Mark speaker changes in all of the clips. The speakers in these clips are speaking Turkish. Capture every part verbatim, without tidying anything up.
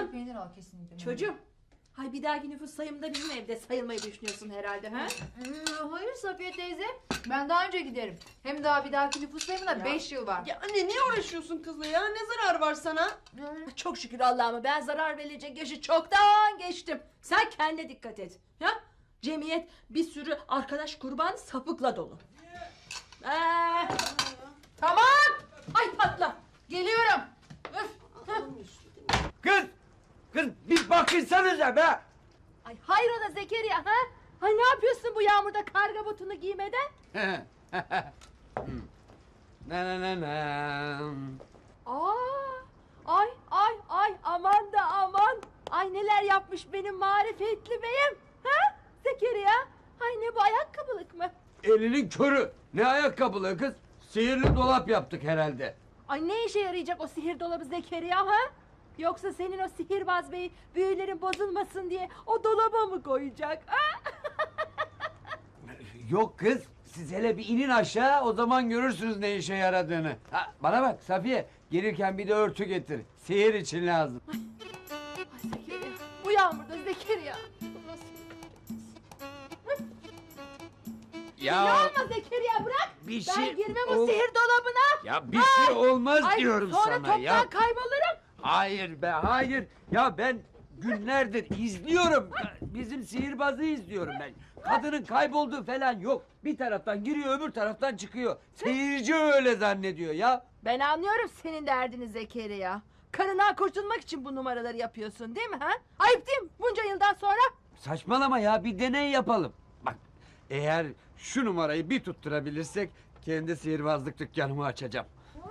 Speaker 1: Kaşar peynir al kesinlikle.
Speaker 2: Çocuğum. Hay bir dahaki nüfus sayımında bizim evde sayılmayı düşünüyorsun herhalde ha?
Speaker 1: Hmm, hayır Safiye teyze. Ben daha önce giderim. Hem daha bir dahaki nüfus sayımına beş yıl var.
Speaker 3: Ya anne niye uğraşıyorsun kızla ya? Ne zarar var sana?
Speaker 1: Hmm.
Speaker 2: Çok şükür Allah'ıma ben zarar verilecek yaşı çoktan geçtim. Sen kendine dikkat et. Ya? Cemiyet bir sürü arkadaş kurban sapıkla dolu. Ee, tamam. Ay patla. Geliyorum. Öf.
Speaker 4: Kız! Kız bir bakınsanıza be!
Speaker 2: Ay hayrola Zekeriya ha? Ay ne yapıyorsun bu yağmurda karga botunu giymeden?
Speaker 4: Na na na na.
Speaker 2: Aa, ay ay ay aman da aman. Ay neler yapmış benim marifetli beyim. Ha Zekeriya? Ay ne bu ayakkabılık mı?
Speaker 4: Elinin körü. Ne ayakkabılı kız? Sihirli dolap yaptık herhalde.
Speaker 2: Ay ne işe yarayacak o sihir dolabı Zekeriya ha? Yoksa senin o sihirbaz bey büyülerin bozulmasın diye o dolaba mı koyacak? Ha?
Speaker 4: Yok kız. Siz hele bir inin aşağı, o zaman görürsünüz ne işe yaradığını. Ha, bana bak Safiye, gelirken bir de örtü getir. Sihir için lazım.
Speaker 2: Ay Zekeriya, bu yağmurda Zekeriya. Nasıl?
Speaker 4: Ya
Speaker 2: Yağma Zekeriya bırak.
Speaker 4: bir
Speaker 2: Ben
Speaker 4: şey
Speaker 2: girmem o
Speaker 4: ol-
Speaker 2: sihir dolabına.
Speaker 4: Ya bir şey olmaz
Speaker 2: Ay,
Speaker 4: diyorum
Speaker 2: sonra
Speaker 4: sana
Speaker 2: toptan
Speaker 4: ya.
Speaker 2: kaybolurum.
Speaker 4: Hayır be, hayır. Ya ben günlerdir izliyorum. Bizim sihirbazı izliyorum ben. Kadının kaybolduğu falan yok. Bir taraftan giriyor, öbür taraftan çıkıyor. Seyirci öyle zannediyor ya.
Speaker 2: Ben anlıyorum senin derdini Zekeriya. Karından kurtulmak için bu numaraları yapıyorsun değil mi ha? Ayıp değil mi bunca yıldan sonra?
Speaker 4: Saçmalama ya, bir deney yapalım. Bak, eğer şu numarayı bir tutturabilirsek kendi sihirbazlık dükkanımı açacağım.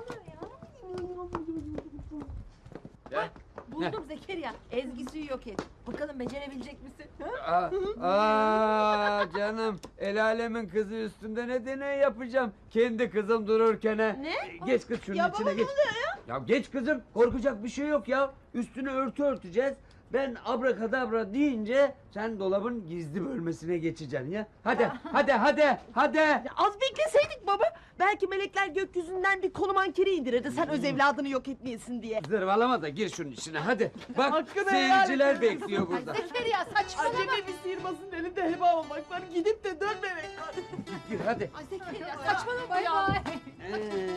Speaker 4: Ya.
Speaker 2: Buldum Zekeriya. Ezgi'yi yok et. Bakalım becerebilecek misin? Ha?
Speaker 4: Aa, aa, canım, el alemin kızı üstünde ne deney yapacağım? Kendi kızım dururken ha.
Speaker 3: Ne?
Speaker 4: Geç kız şunun
Speaker 3: Ya
Speaker 4: içine
Speaker 3: baba, ne
Speaker 4: geç.
Speaker 3: oluyor
Speaker 4: ya? geç kızım, korkacak bir şey yok ya. Üstüne örtü örteceğiz. Ben abrakadabra deyince sen dolabın gizli bölmesine geçeceksin ya. Hadi, hadi, hadi, hadi.
Speaker 3: Az bekleseydik baba. Belki melekler gökyüzünden bir konu mankeni indirirdi. Sen öz evladını yok etmeyesin diye.
Speaker 4: Zırvalama da gir şunun içine hadi. Bak
Speaker 3: Hakkını helal
Speaker 4: seyirciler
Speaker 3: et.
Speaker 4: bekliyor burada.
Speaker 2: Zekeriya saçmalama.
Speaker 3: Acemi bir sihirbazın elinde heba olmak var. Gidip de dönmemek var.
Speaker 4: Gir hadi.
Speaker 2: Ay Zekeriya saçmalama
Speaker 1: Bay
Speaker 2: ya.
Speaker 1: bay.
Speaker 4: Ee,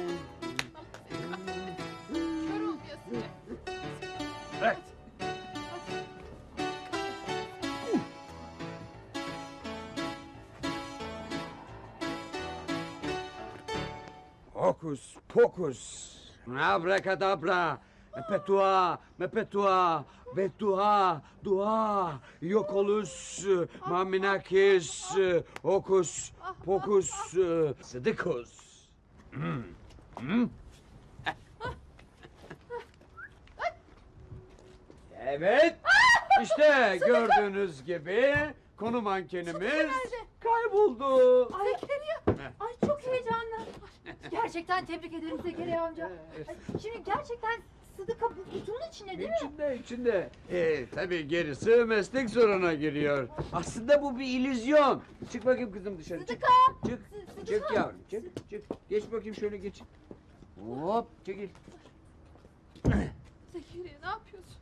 Speaker 2: Kör olmayasın.
Speaker 4: bırak. Hokus pokus. Abracadabra. Mepetua, mepetua, betua, dua, yokolus, maminakis, hokus, pokus, sıdıkus. Hmm, hmm. Evet, işte gördüğünüz gibi konu mankenimiz kayboldu.
Speaker 2: Ay Zekeriya. Ay çok heyecanlı.
Speaker 1: Gerçekten tebrik ederim Zekeriya amca. Ay, şimdi gerçekten Sıdıka bu kutunun içinde değil mi?
Speaker 4: İçinde, içinde. Ee, tabii gerisi meslek soruna giriyor. Aslında bu bir illüzyon. Çık bakayım kızım dışarı. Çık.
Speaker 1: Sıdıka!
Speaker 4: Çık.
Speaker 1: Sıdıka!
Speaker 4: Çık yavrum, çık, çık. Geç bakayım şöyle geç. Hop, çekil.
Speaker 2: Zekeriya ne yapıyorsun?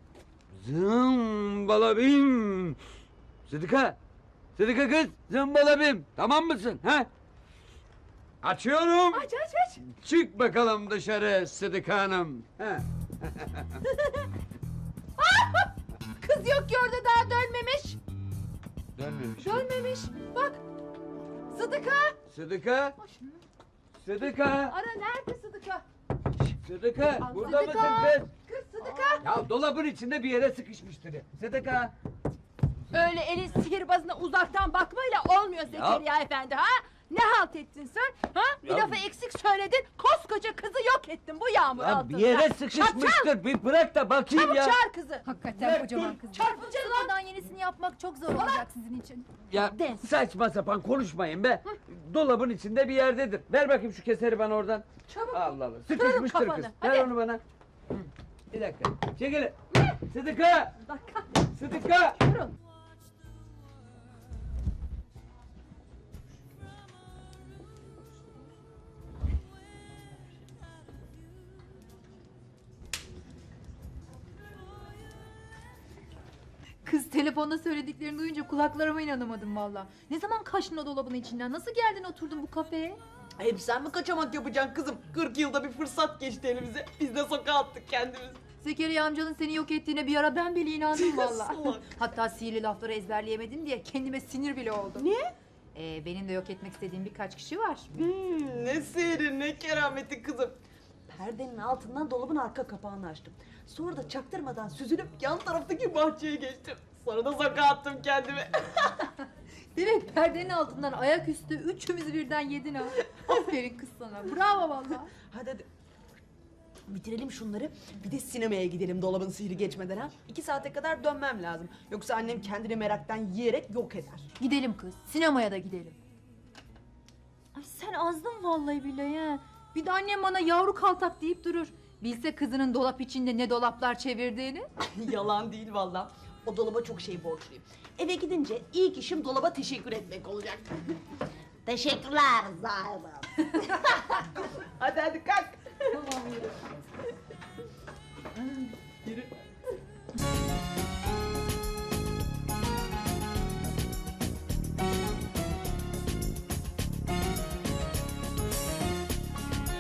Speaker 4: Zımbalabim. Sıdıka. Sıdıka kız, zımbalabim. Tamam mısın? Ha? Açıyorum.
Speaker 2: Aç aç aç.
Speaker 4: Çık bakalım dışarı Sıdıka Hanım. Ha.
Speaker 2: Kız yok ki orada daha dönmemiş.
Speaker 4: Dönmemiş.
Speaker 2: Dönmemiş. Bak. Sıdıka.
Speaker 4: Sıdıka. Sıdıka.
Speaker 2: Ara nerede Sıdıka?
Speaker 4: Sıdıka.
Speaker 2: Aa,
Speaker 4: Burada
Speaker 2: Sıdıka.
Speaker 4: mısın kız?
Speaker 2: Kız Sıdıka.
Speaker 4: Ya dolabın içinde bir yere sıkışmıştır. Sıdıka.
Speaker 2: Öyle elin sihirbazına uzaktan bakmayla olmuyor Zekeriya efendi ha? Ne halt ettin sen? Ha? Bir
Speaker 4: Ya-
Speaker 2: lafı eksik söyledin. Koskoca kızı yok ettin bu yağmur
Speaker 4: Ya
Speaker 2: altında.
Speaker 4: bir yere
Speaker 2: Çarpacağım.
Speaker 4: sıkışmıştır. Bir bırak da bakayım
Speaker 2: Çabuk
Speaker 4: ya.
Speaker 2: çağır kızı.
Speaker 1: Hakikaten
Speaker 4: Dur,
Speaker 1: kocaman
Speaker 4: dur,
Speaker 1: kız.
Speaker 2: çarpıcı lan.
Speaker 1: Sıfırdan yenisini yapmak çok zor olacak sizin için.
Speaker 4: Ya
Speaker 2: De.
Speaker 4: saçma sapan konuşmayın be. Dolabın içinde bir yerdedir. Ver bakayım şu keseri bana oradan.
Speaker 2: Çabuk.
Speaker 4: Allah Allah.
Speaker 2: Kırarım
Speaker 4: Sıkışmıştır kız.
Speaker 2: kafanı.
Speaker 4: Ver
Speaker 2: Hadi.
Speaker 4: onu bana. Hı. Bir dakika. Çekil. Sıdıka.
Speaker 2: Dakika.
Speaker 4: Sıdıka.
Speaker 2: Durun.
Speaker 1: Kız telefonda söylediklerini duyunca kulaklarıma inanamadım valla. Ne zaman kaçtın o dolabın içinden? Nasıl geldin oturdun bu kafeye?
Speaker 3: Hep sen mi kaçamak yapacaksın kızım? kırk yılda bir fırsat geçti elimize. Biz de sokağa attık kendimizi.
Speaker 1: Zekeriya amcanın seni yok ettiğine bir ara ben bile inandım valla.
Speaker 3: Salak.
Speaker 1: Hatta sihirli lafları ezberleyemedim diye kendime sinir bile oldum.
Speaker 3: Niye?
Speaker 1: Ee, benim de yok etmek istediğim birkaç kişi var.
Speaker 3: Hmm, ne sihri ne kerameti kızım. Perdenin altından dolabın arka kapağını açtım. Sonra da çaktırmadan süzülüp yan taraftaki bahçeye geçtim. Sonra da sokağa attım kendimi.
Speaker 1: Demek perdenin altından ayaküstü üçümüzü birden yedin ha. Aferin kız sana. Bravo valla.
Speaker 3: Hadi hadi. Bitirelim şunları. Bir de sinemaya gidelim dolabın sihri geçmeden ha. İki saate kadar dönmem lazım. Yoksa annem kendini meraktan yiyerek yok eder.
Speaker 1: Gidelim kız. Sinemaya da gidelim. Ay sen azdın vallahi billahi ha. Bir de annem bana yavru kaltak deyip durur. Bilse kızının dolap içinde ne dolaplar çevirdiğini.
Speaker 3: Yalan değil valla. O dolaba çok şey borçluyum. Eve gidince ilk işim dolaba teşekkür etmek olacak.
Speaker 5: Teşekkürler Zahra.
Speaker 3: Hadi hadi kalk.
Speaker 1: Tamam yürü.